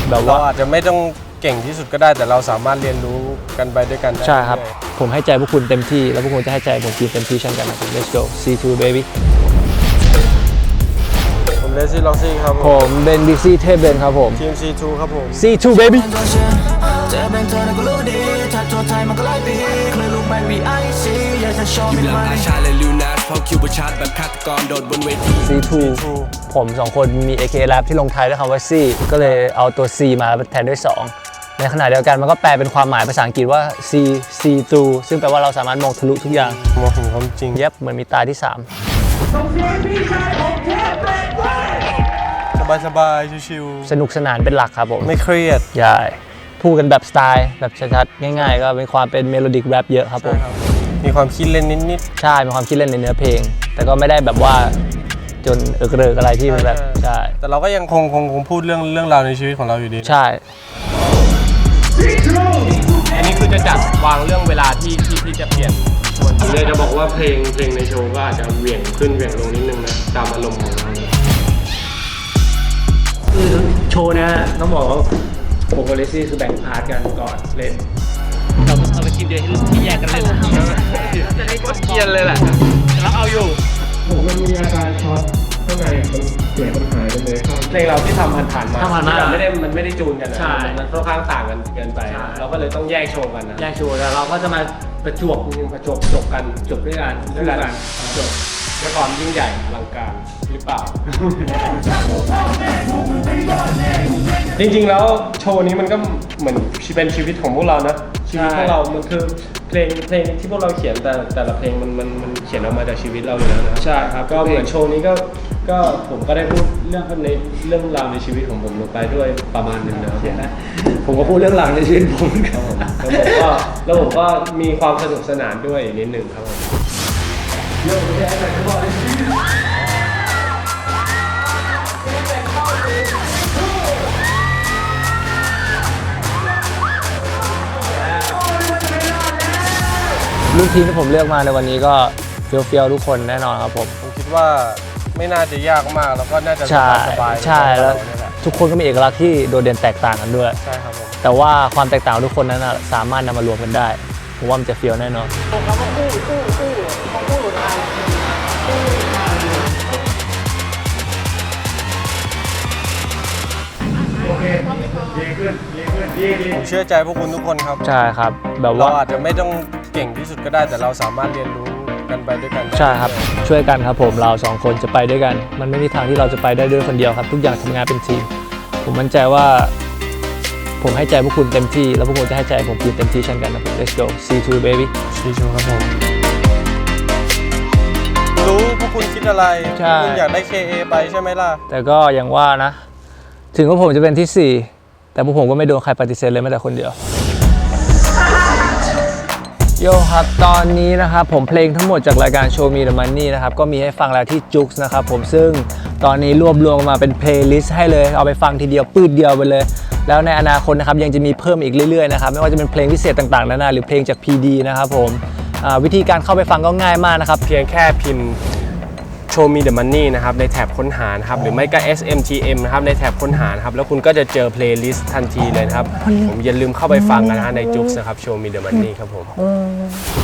แบบว่าอาจจะไม่ต้องเก่งที่สุดก็ได้แต่เราสามารถเรียนรู้กันไปด้วยกันได้ใช่ครับผมให้ใจพวกคุณเต็มที่แล้วพวกคุณจะให้ใจผมเต็มที่เช่นกันนะครับ Let's go C2 baby ผมเลซี่ล็อกซี่ครับผมเบนบิ๊กซี่เทพเบนครับผมทีม C2 ครับผม C2 baby จะเป็นเธอนั้นก็รู้ดีถ้าโทษไทยมันก็ไล่ปีเคยรู้ไหม VIC อยากจะโชว์มิดมันอาชาและลิวนาสเพราะคิวบชาร์ดแบบฆาตกรโดดบนเวที C2 ผม2คนมี AK Rap ที่ลงท้ายด้วยคำว่า C ก็เลยเอาตัว C มาแทนด้วย2ในขณะเดียวกันมันก็แปลเป็นความหมายภาษาอังกฤษว่า C2 ซึ่งแปลว่าเราสามารถมองทะลุทุกอย่างมองเห็นความจริงเย็บเหมือนมีตาที่3 สบายๆชิวสนุกสนานเป็นหลักครับผมไม่เครียดใช่พูดกันแบบสไตล์แบบชัดๆง่ายๆก็เป็นความเป็นเมโลดิกแรปเยอะครับผมมีความคิดเล่นนิดใช่มีความคิดเล่นในเนื้อเพลงแต่ก็ไม่ได้แบบว่าจนเริกอะไรที่มันแบบใช่แต่เราก็ยังคงพูดเรื่องราวในชีวิตของเราอยู่ดีใช่อันนี้คือจะจัดวางเรื่องเวลาที่จะเปลี่ยนผมเลยจะบอกว่าเพลงในโชว์ก็อาจจะเหวี่ยงขึ้นเหวี่ยงลงนิดนึงนะตามอารมณ์ของเราคือโชว์นะต้องบอกว่าผมกับเลซี่คือแบ่งพาร์ทกันก่อนเล่นเราไปทีมเดียวที่แยกกันเล่นจะได้ก็เกียนเลยแหละแล้วเอาอยู่ผมมันมีอาการช็อตข้างในมันเสียงมันหายไปเลยเพลงเราที่ทำผ่านมามันไม่ได้จูนกันนะมันค่อนข้างต่างกันเกินไปเราก็เลยต้องแยกโชว์กันนะแยกโชว์แล้วเราก็จะมาประจวบจบกันจบด้วยกันจบด้วยความยิ่งใหญ่อลังการหรือเปล่า จริงๆแล้วโชว์นี้มันก็เหมือนเป็นชีวิตของพวกเรานะชีวิตของเรามันคือเพลงที่พวกเราเขียนแต่ละเพลงมันเขียนออกมาจากชีวิตเราอยู่แล้วนะใช่ครับก็เหมือนโชว์นี้ก็ผมก็ได้พูดเรื่องราวในชีวิตของผมลงไปด้วยประมาณนึงนะผมก็พูดเรื่องราวในชีวิตผมแล้วผมก็มีความสนุกสนานด้วยนิดนึงครับผมลูกทีมที่ผมเลือกมาในวันนี้ก็เฟี้ยวๆทุกคนแน่นอนครับผมคิดว่าไม่น่าจะยากมากแล้วก็น่าจะสบายใช่แล้วทุกคนก็มีเอกลักษณ์ที่โดดเด่นแตกต่างกันด้วยใช่ครับผมแต่ว่าความแตกต่างทุกคนนั้นสามารถนำมารวมกันได้ผมว่ามันจะเฟี้ยวแน่นอนผมเชื่อใจพวกคุณทุกคนครับใช่ครับแบบว่าเราอาจจะไม่ต้องเก่งที่สุดก็ได้แต่เราสามารถเรียนรู้กันไปด้วยกันใช่ครับช่วยกันครับผมเรา2คนจะไปด้วยกันมันไม่มีทางที่เราจะไปได้ด้วยคนเดียวครับทุกอย่างทำงานเป็นทีมผมมั่นใจว่าผมให้ใจพวกคุณเต็มที่แล้วพวกคุณจะให้ใจผมเต็มที่เช่นกันนะ Let's go C2 baby C2 ครับผมรู้พวกคุณคิดอะไรคุณอยากได้ KA ไปใช่ไหมล่ะแต่ก็อย่างว่านะถึงว่าผมจะเป็นที่4แต่พวกผมก็ไม่โดนใครปฏิเสธเลยแม้แต่คนเดียวโยครับตอนนี้นะครับผมเพลงทั้งหมดจากรายการ Show Me the Money นะครับก็มีให้ฟังแล้วที่ Joox นะครับผมซึ่งตอนนี้รวบรวมมาเป็นเพลย์ลิสต์ให้เลยเอาไปฟังทีเดียวปื้ดเดียวไปเลยแล้วในอนาคตนะครับยังจะมีเพิ่มอีกเรื่อยๆนะครับไม่ว่าจะเป็นเพลงพิเศษต่างๆนานาหรือเพลงจาก PD นะครับผมวิธีการเข้าไปฟังก็ง่ายมากนะครับเพียงแค่พิมพ์ Show Me the Money นะครับในแถบค้นหานะครับหรือไม่ก็ SMTM นะครับในแถบค้นหานะครับแล้วคุณก็จะเจอเพลย์ลิสต์ทันทีเลยนะครับผมอย่าลืมเข้าไปฟังกันนะใน Joox นะครับ Show Me the Money ครับผม